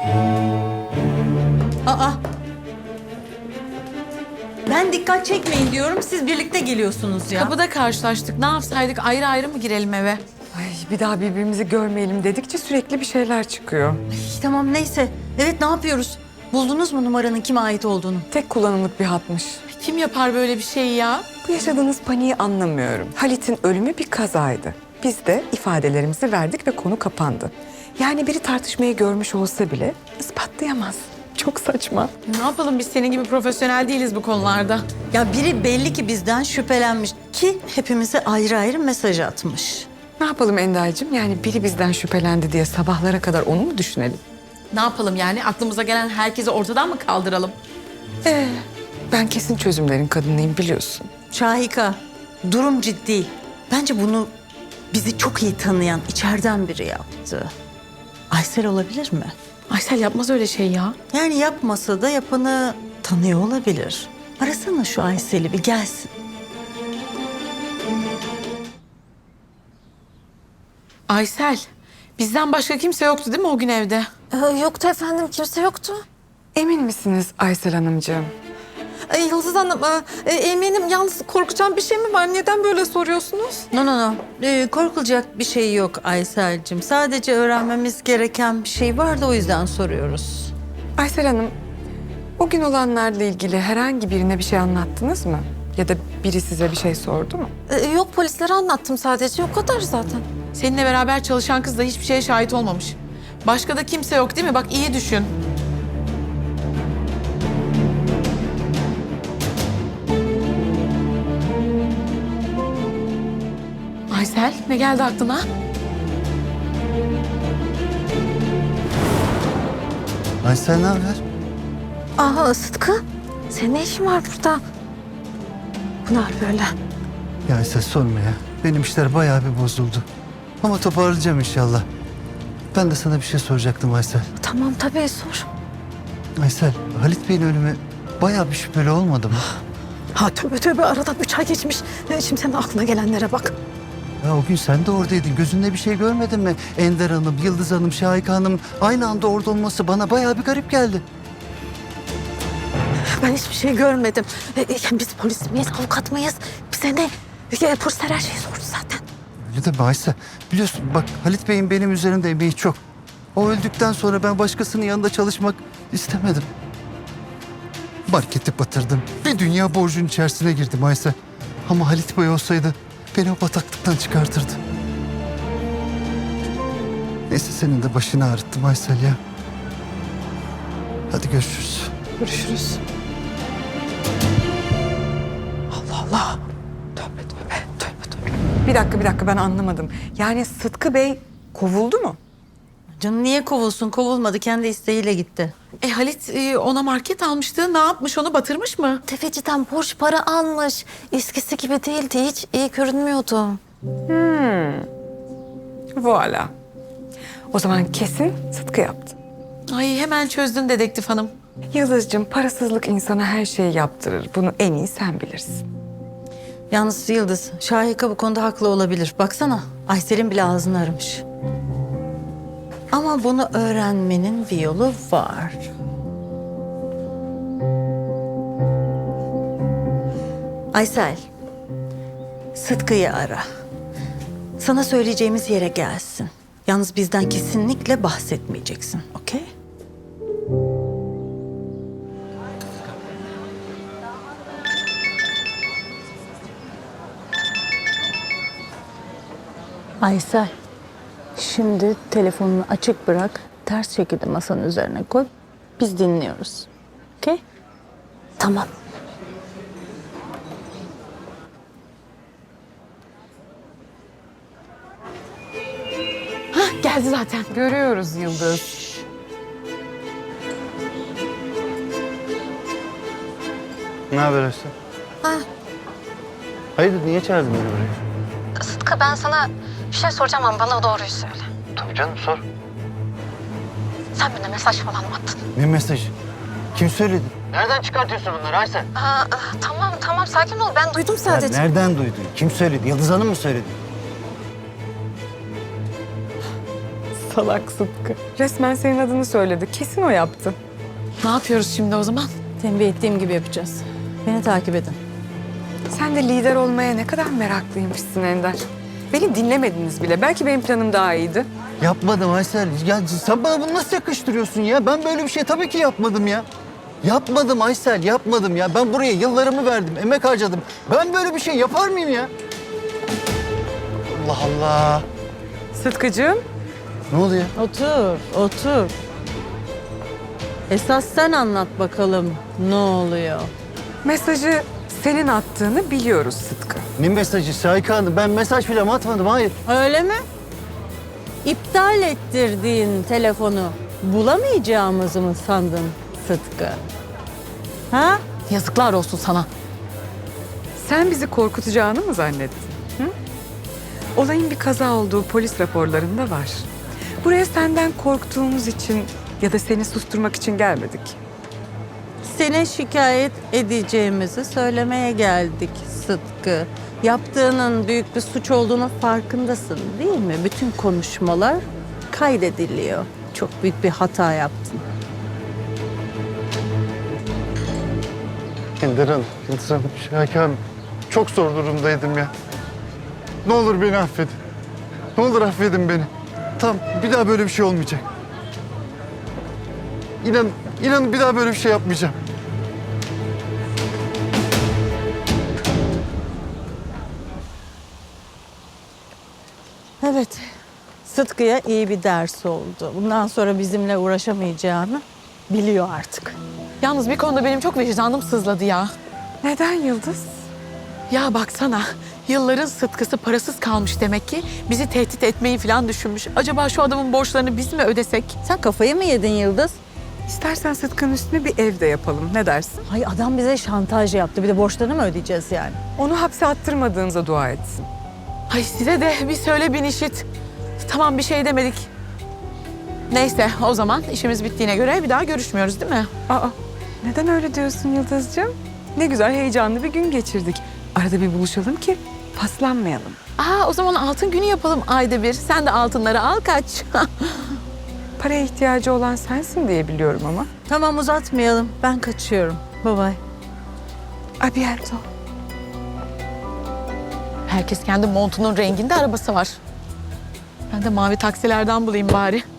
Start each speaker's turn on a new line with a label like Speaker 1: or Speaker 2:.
Speaker 1: Aa. Ben dikkat çekmeyin diyorum, siz birlikte geliyorsunuz ya.
Speaker 2: Kapıda karşılaştık. Ne yapsaydık? Ayrı ayrı mı girelim eve?
Speaker 3: Ay, bir daha birbirimizi görmeyelim dedikçe sürekli bir şeyler çıkıyor.
Speaker 1: Tamam neyse. Evet, ne yapıyoruz? Buldunuz mu numaranın kime ait olduğunu?
Speaker 3: Tek kullanımlık bir hatmış.
Speaker 2: Kim yapar böyle bir şey ya?
Speaker 3: Bu yaşadığınız paniği anlamıyorum. Halit'in ölümü bir kazaydı. Biz de ifadelerimizi verdik ve konu kapandı. Yani biri tartışmayı görmüş olsa bile ispatlayamaz. Çok saçma.
Speaker 2: Ne yapalım, biz senin gibi profesyonel değiliz bu konularda.
Speaker 1: Ya biri belli ki bizden şüphelenmiş ki hepimize ayrı ayrı mesaj atmış.
Speaker 3: Ne yapalım Enda'cığım? Yani biri bizden şüphelendi diye sabahlara kadar onu mu düşünelim?
Speaker 2: Ne yapalım yani? Aklımıza gelen herkesi ortadan mı kaldıralım?
Speaker 3: Ben kesin çözümlerin kadınıyım biliyorsun.
Speaker 1: Şahika, durum ciddi. Bence bunu bizi çok iyi tanıyan içeriden biri yaptı. Aysel olabilir mi?
Speaker 2: Aysel yapmaz öyle şey ya.
Speaker 1: Yani yapmasa da yapanı tanıyor olabilir. Arasana şu Aysel'i, bir gelsin.
Speaker 2: Aysel, bizden başka kimse yoktu değil mi o gün evde?
Speaker 4: Yoktu efendim, kimse yoktu.
Speaker 3: Emin misiniz Aysel Hanımcığım?
Speaker 4: Yıldız Hanım, eminim, yalnız korkacağım bir şey mi var? Neden böyle soruyorsunuz?
Speaker 1: No. Korkulacak bir şey yok Aysel'cim. Sadece öğrenmemiz gereken bir şey var da o yüzden soruyoruz.
Speaker 3: Aysel Hanım, o gün olanlarla ilgili herhangi birine bir şey anlattınız mı? Ya da biri size bir şey sordu mu?
Speaker 4: Yok, polislere anlattım sadece, o kadar zaten.
Speaker 2: Seninle beraber çalışan kız da hiçbir şeye şahit olmamış. Başka da kimse yok değil mi? Bak iyi düşün. Aysel, ne geldi aklına?
Speaker 5: Aysel ne haber?
Speaker 4: Aha Sıtkı, senin ne işin var burada? Bu ne hal böyle?
Speaker 5: Ya Aysel sorma ya. Benim işler bayağı bir bozuldu. Ama toparlayacağım inşallah. Ben de sana bir şey soracaktım Aysel.
Speaker 4: Tamam tabii, sor.
Speaker 5: Aysel, Halit Bey'in ölümü bayağı bir şüpheli olmadı mı?
Speaker 4: Ha tövbe, aradan 3 ay geçmiş. Şimdi senin aklına gelenlere bak.
Speaker 5: Ya o gün sen de oradaydın. Gözünde bir şey görmedin mi? Ender Hanım, Yıldız Hanım, Şahika Hanım aynı anda orada olması bana bayağı bir garip geldi.
Speaker 4: Ben hiçbir şey görmedim. Biz polis miyiz, avukat mıyız? Bize ne? Polisler her şeyi sordu zaten.
Speaker 5: Öyle de Aysel. Biliyorsun bak Halit Bey'in benim üzerimde emeği çok. O öldükten sonra ben başkasının yanında çalışmak istemedim. Marketi batırdım. Bir dünya borcun içerisine girdim Aysel. Ama Halit Bey olsaydı beni o bataklıktan çıkartırdı. Neyse senin de başını ağrıttım Aysel ya. Hadi görüşürüz.
Speaker 3: Görüşürüz. Allah Allah. Tövbe. Bir dakika ben anlamadım. Yani Sıtkı Bey kovuldu mu?
Speaker 1: Canım niye kovulsun? Kovulmadı. Kendi isteğiyle gitti.
Speaker 2: Halit ona market almıştı. Ne yapmış, onu batırmış mı?
Speaker 4: Tefeciden borç para almış. Eskisi gibi değildi, hiç iyi görünmüyordu.
Speaker 3: Voilà. O zaman kesin Sıtkı yaptı.
Speaker 2: Ay hemen çözdün dedektif hanım.
Speaker 3: Yıldız'cığım parasızlık insana her şeyi yaptırır. Bunu en iyi sen bilirsin.
Speaker 1: Yalnız Yıldız, Şahika bu konuda haklı olabilir. Baksana, Aysel'in bile ağzını aramış. Ama bunu öğrenmenin bir yolu var. Aysel, Sıtkı'yı ara. Sana söyleyeceğimiz yere gelsin. Yalnız bizden kesinlikle bahsetmeyeceksin, okey?
Speaker 6: Aysel, şimdi telefonunu açık bırak, ters şekilde masanın üzerine koy. Biz dinliyoruz. Okey?
Speaker 4: Tamam.
Speaker 2: Geldi zaten.
Speaker 3: Görüyoruz Yıldız.
Speaker 5: Ne haber Aysel?
Speaker 4: Ha.
Speaker 5: Hayırdır niye çağırdın beni buraya?
Speaker 4: Sıtkı, ben sana bir şey soracağım ama bana doğruyu söyle.
Speaker 5: Tabii canım sor.
Speaker 4: Sen birine mesaj falan mı attın?
Speaker 5: Ne mesajı? Kim söyledi? Nereden çıkartıyorsun bunları Aysel?
Speaker 4: Tamam sakin ol, ben duydum sadece.
Speaker 5: Nereden duydun? Kim söyledi? Yıldız Hanım mı söyledi?
Speaker 3: Salak Sıtkı. Resmen senin adını söyledi. Kesin o yaptı.
Speaker 2: Ne yapıyoruz şimdi o zaman?
Speaker 1: Tembih ettiğim gibi yapacağız. Beni takip edin.
Speaker 3: Sen de lider olmaya ne kadar meraklıymışsın Ender. Beni dinlemediniz bile. Belki benim planım daha iyiydi.
Speaker 5: Yapmadım Aysel. Ya sen bana bunu nasıl yakıştırıyorsun ya? Ben böyle bir şey tabii ki yapmadım ya. Yapmadım Aysel, yapmadım ya. Ben buraya yıllarımı verdim, emek harcadım. Ben böyle bir şey yapar mıyım ya? Allah Allah.
Speaker 3: Sıtkıcığım.
Speaker 5: Ne oluyor?
Speaker 1: Otur, otur. Esas sen anlat bakalım ne oluyor?
Speaker 3: Mesajı senin attığını biliyoruz Sıtkı.
Speaker 5: Ne mesajı Şahika Hanım? Ben mesaj falan atmadım, hayır.
Speaker 1: Öyle mi? İptal ettirdiğin telefonu bulamayacağımızı mı sandın Sıtkı? Ha?
Speaker 2: Yazıklar olsun sana.
Speaker 3: Sen bizi korkutacağını mı zannettin? Hı? Olayın bir kaza olduğu polis raporlarında var. Buraya senden korktuğumuz için ya da seni susturmak için gelmedik.
Speaker 1: Seni şikayet edeceğimizi söylemeye geldik Sıtkı. Yaptığının büyük bir suç olduğunu farkındasın değil mi? Bütün konuşmalar kaydediliyor. Çok büyük bir hata yaptın.
Speaker 5: Ender Hanım, Yıldız Hanım, Şahika Hanım. Çok zor durumdaydım ya. Ne olur beni affedin. Ne olur affedin beni. Tamam, bir daha böyle bir şey olmayacak. İnan bir daha böyle bir şey yapmayacağım.
Speaker 1: Evet. Sıtkı'ya iyi bir ders oldu. Bundan sonra bizimle uğraşamayacağını biliyor artık.
Speaker 2: Yalnız bir konuda benim çok vicdanım sızladı ya.
Speaker 3: Neden Yıldız?
Speaker 2: Ya baksana, yılların Sıtkısı parasız kalmış demek ki. Bizi tehdit etmeyi falan düşünmüş. Acaba şu adamın borçlarını biz mi ödesek?
Speaker 1: Sen kafayı mı yedin Yıldız?
Speaker 3: İstersen Sıtkı'nın üstüne bir ev de yapalım. Ne dersin?
Speaker 1: Ay adam bize şantaj yaptı. Bir de borçlarını mı ödeyeceğiz yani?
Speaker 3: Onu hapse attırmadığınıza dua etsin.
Speaker 2: Ay size de bir söyle bin işit. Tamam bir şey demedik. Neyse o zaman işimiz bittiğine göre bir daha görüşmüyoruz değil mi?
Speaker 3: Aa, neden öyle diyorsun Yıldız'cığım? Ne güzel heyecanlı bir gün geçirdik. Arada bir buluşalım ki paslanmayalım.
Speaker 2: O zaman altın günü yapalım ayda bir. Sen de altınları al kaç.
Speaker 3: Paraya ihtiyacı olan sensin diye biliyorum ama.
Speaker 1: Tamam uzatmayalım. Ben kaçıyorum. Bye bye.
Speaker 3: A bientôt.
Speaker 2: Herkes kendi montunun renginde arabası var. Ben de mavi taksilerden bulayım bari.